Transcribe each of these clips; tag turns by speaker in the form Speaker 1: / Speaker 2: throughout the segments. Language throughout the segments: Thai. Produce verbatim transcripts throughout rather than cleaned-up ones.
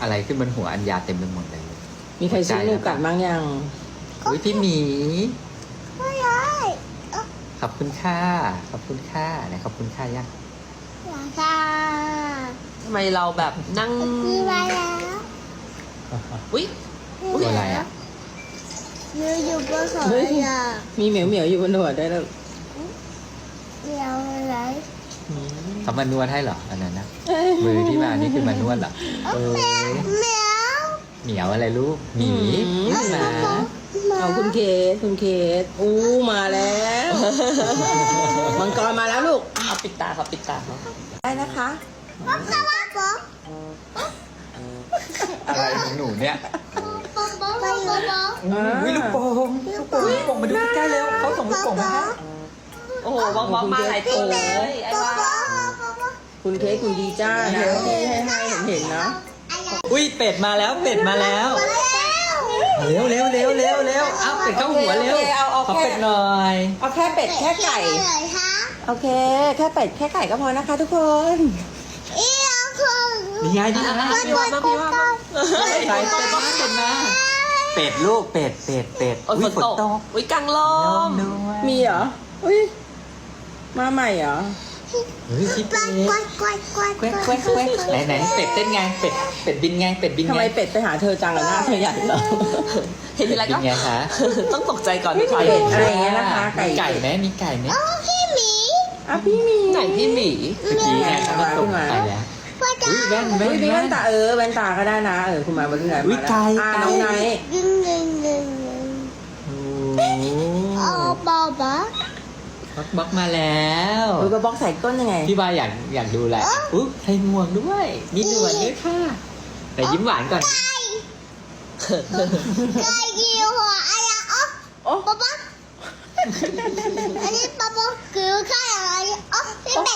Speaker 1: อะไรขึ้นบนหัวอัญญาเต็มไปหมดเลย
Speaker 2: มีใครซื้อนูกัดบ้างยัง
Speaker 1: อุ้ยพี่หมี
Speaker 3: ไม่ได้เอ้า
Speaker 1: ขอบคุณค่าขอบคุณค่าไหนขอบคุณค่ายัง
Speaker 3: อยากได้
Speaker 4: ทำไมเราแบบนั่ง
Speaker 3: มีมาแล้ว
Speaker 4: อุ้ย
Speaker 1: ตัวอะไรอ่ะ
Speaker 3: ยืนอยู่บนหัว
Speaker 2: เฮ้ย
Speaker 3: อย่า
Speaker 2: มีเหมียวเหมียวอยู่บนหัวได้วยแล้ว
Speaker 3: เดียวอะไร
Speaker 1: เขามานวดให้เหรออันนั้นนะ
Speaker 2: เอ้ย
Speaker 1: มือที่มานี่คือมานวดเหรอเออ
Speaker 3: แมว
Speaker 1: เหมียวอะไรลูกหมีหมา
Speaker 2: เอาคุณเคสคุณเคสอู้มาแล้วมังกรมาแล้วลูก
Speaker 4: เอาปิดตาครับปิดตาครับ
Speaker 2: ได้นะคะ
Speaker 3: ป๊อกป๊อกป๊อก
Speaker 1: อะไรของหนูเนี่ย
Speaker 3: ป๊อกป๊อกป๊อกป๊อกป๊อก
Speaker 1: อุ้ยลูกโป่งลูกโป่งลูกโป่งมาดูใกล้ๆเร็วเขาส่งลูกโป่งมาให้
Speaker 4: โอ้โหบล็อกบล็อกมาหลายตัวเลยไอ้
Speaker 3: ป๊อก
Speaker 4: ว่า
Speaker 3: ป๊อกป๊อกป๊อก
Speaker 2: คุณเคสคุณดีจ้านะที่ให้ให้เห็นเห็นๆนะ
Speaker 1: อุ้ยเป็ดมาแล้วเป็ดมาแล้วเร็วเร็วเร็วเร็วเร็วเอาเป็ดเข้าหัวเร็ว
Speaker 2: โอเคเอาเอา
Speaker 1: ขอ
Speaker 2: แค่
Speaker 1: เป็ดหน่อย
Speaker 2: เอาแค่เป็ดแค่ไก่
Speaker 3: เลยคะ
Speaker 2: โอเค แค่เป็ดแค่ไก่ก็พอนะคะทุกคน
Speaker 3: อีเอาคือ
Speaker 1: นี่ไงนี่ไง
Speaker 4: พี่ว่ามาพี่ว่ามา
Speaker 1: ใส่เป็ดมาเป็ดมาเป็ดลูกเป็ดเป็ดเป็ด
Speaker 4: โอ้ยฝนตกอุ้ยกลางล
Speaker 1: ล
Speaker 4: ม
Speaker 1: มด้วย
Speaker 2: มีเหรออุ้ยมาใหม่เหรอ
Speaker 1: เฮ้ยพี่
Speaker 3: ก
Speaker 1: เป็
Speaker 3: วา
Speaker 1: ด
Speaker 3: ดกวาดกวาดกวาด
Speaker 1: แควกแควกแควกไหนไหนเป็ดเต้นไงเป็ดเป็ดบินไงเป็ดบิน
Speaker 2: ทำ
Speaker 1: ไง
Speaker 2: ไมเป็ดไปหาเธอจังอะหน้าเธอใหญ่เหรอ
Speaker 4: เห็นทีไร
Speaker 1: บิ
Speaker 4: ก็
Speaker 1: นไงคะ
Speaker 4: ต้องตกใจก่อนที่ใคร
Speaker 2: เป็ดอะไรอย่างเงี้ยนะคะไก่
Speaker 1: มีไก่ไหมมีไก่ไหม
Speaker 3: โอ้พี่หมี
Speaker 2: อ่ะพี่มี
Speaker 4: ไหนพี่หมี
Speaker 1: เมื่อกี้ไงเขามาตกไก่แล้ว
Speaker 3: พ่อจ๋า
Speaker 1: อุ้ยแว่นแว่
Speaker 2: อุ้ย
Speaker 1: น
Speaker 2: มี
Speaker 1: แว่
Speaker 2: แว่
Speaker 1: น
Speaker 2: นตาเออแว่นตาก็ได้นะเออคุณมาวันนี้ไหน
Speaker 1: อุ๊ย
Speaker 2: มาแล้ว
Speaker 1: ไก่
Speaker 2: อ่า
Speaker 1: ไก่
Speaker 2: น้องไนท์
Speaker 3: ยิงยิงยิงยิง
Speaker 1: โอ้
Speaker 3: เอาบอบบอ
Speaker 1: บล็อกบล็อกมาแล้ว
Speaker 2: เออกระบอกใส่ก้นยังไง
Speaker 1: พี่บายอยากอยากดูอะไรอุ๊ยใส่หมวกด้วย มีหนวดด้วยค่ะ แต่ยิ้มหวานก่อน
Speaker 3: ไก่ยิวหัวอะไรอ๋อ
Speaker 2: โอ้
Speaker 3: ป๊อปป๊อปอันนี้ป๊อปป๊อปคือไก่อะไรอ๋อพี่เป็ด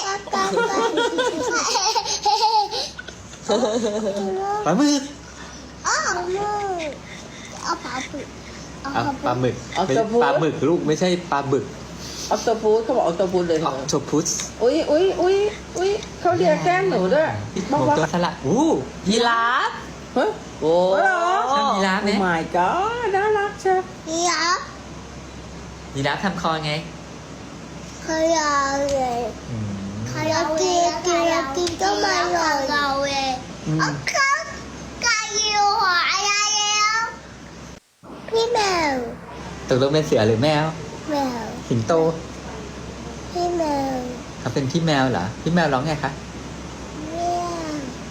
Speaker 1: ปลาหมึก
Speaker 3: อ๋อเอาปลาบึกเอา
Speaker 1: อ่ะป
Speaker 3: ป
Speaker 1: ลา
Speaker 3: ลา
Speaker 1: ห
Speaker 3: บึ
Speaker 1: มึ
Speaker 3: ก
Speaker 1: กไม่ใช่ปลาหมึกลูกไม่ใช่ปลาบึก
Speaker 2: ออคโตฟูสเขาบอกออคโตฟูสเลยเธ
Speaker 1: อ
Speaker 2: อ
Speaker 1: อกโทพุส
Speaker 2: อุ้ยอุ้ยอุ้ยอุ้ยเขาเรียกแก้มหนูด้วย
Speaker 1: ห
Speaker 2: บอก
Speaker 1: มู
Speaker 2: ว่า
Speaker 1: ตัวสลัดอู้
Speaker 4: ยีราฟ
Speaker 2: เฮ้ย
Speaker 4: โอ้
Speaker 2: เหรอ
Speaker 1: ชอบยีราฟ
Speaker 2: โอ้
Speaker 1: ไหม
Speaker 2: my god น่ารักเชียว
Speaker 3: นี่อ่ะ
Speaker 1: ยีราฟทำคอไง
Speaker 3: ขยะเลย
Speaker 1: อืม
Speaker 3: ขยะกินกินกินก็ไม่หล่นเราเลย
Speaker 1: อืม
Speaker 3: โอเคไก่ยิวหัวอะไรแล้วพี่แมว
Speaker 1: ตกลงเป็นเสือหรือแมว
Speaker 3: แมว
Speaker 1: สิงโต
Speaker 3: พี่แมว
Speaker 1: เขาเป็นพี่แมวเหรอ พี่แมวร้องไงคะ
Speaker 3: แมว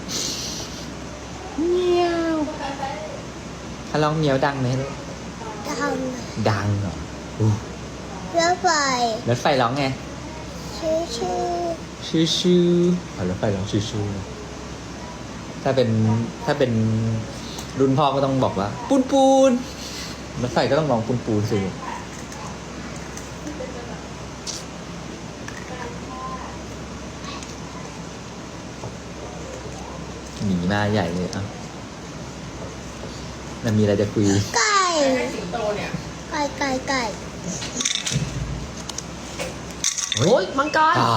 Speaker 2: เมียว
Speaker 1: ถ้าร้องเมียวดังไหมลูก
Speaker 3: ท
Speaker 1: ดังเหรออู้
Speaker 3: ำรถไฟ
Speaker 1: รถไฟร้องไง
Speaker 3: ชื่อชื่อ
Speaker 1: ชื่อชื่ออ๋อรถไฟร้องชื่อชื่อถ้าเป็นถ้าเป็นรุ่นพ่อก็ต้องบอกว่า ปูนปูนรถไฟก็ต้องร้องปูนปูนสิหนีมาใหญ่เลยอ่ะมันมีอะไรจะคุย
Speaker 3: ไก่
Speaker 2: สิงโตเนี่ย
Speaker 3: ไก่ไก่ไก่
Speaker 4: โอ้ยมังกร
Speaker 1: อ่า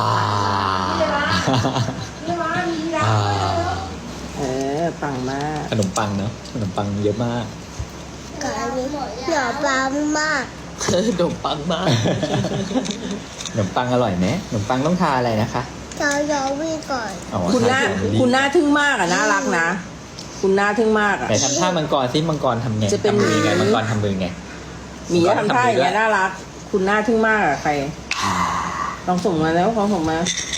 Speaker 2: นี่ว่ามีรัก
Speaker 1: อ่า
Speaker 2: เออปังมาก
Speaker 1: ขนมปังเนาะขนมปังเยอะมาก
Speaker 3: ไก่หยอดปลามาก
Speaker 4: โดมปังมาก
Speaker 1: ขนมปังอร่อยไหมขนมปังต้องทาอะไรนะคะ
Speaker 3: เรายอวิ่งก่อน
Speaker 1: อ๋อ
Speaker 2: คุณหน้า
Speaker 1: ทเจลลี่
Speaker 2: คุณหน้าทึ่งมากอ่ะน่ารักนะ คุณหน้าทึ่งมากอ่ะ
Speaker 1: ไหนทำท่ามังกรซิมังกรทำไง
Speaker 2: จะเป็น
Speaker 1: ทำมือไงมังกรทำมือไง
Speaker 2: หมีทำท่าอย่างเงี้ยน่ารัก คุณหน้าทึ่งมากอ่ะใคร ลองส่งมาแล้วลองส่งมา
Speaker 1: อ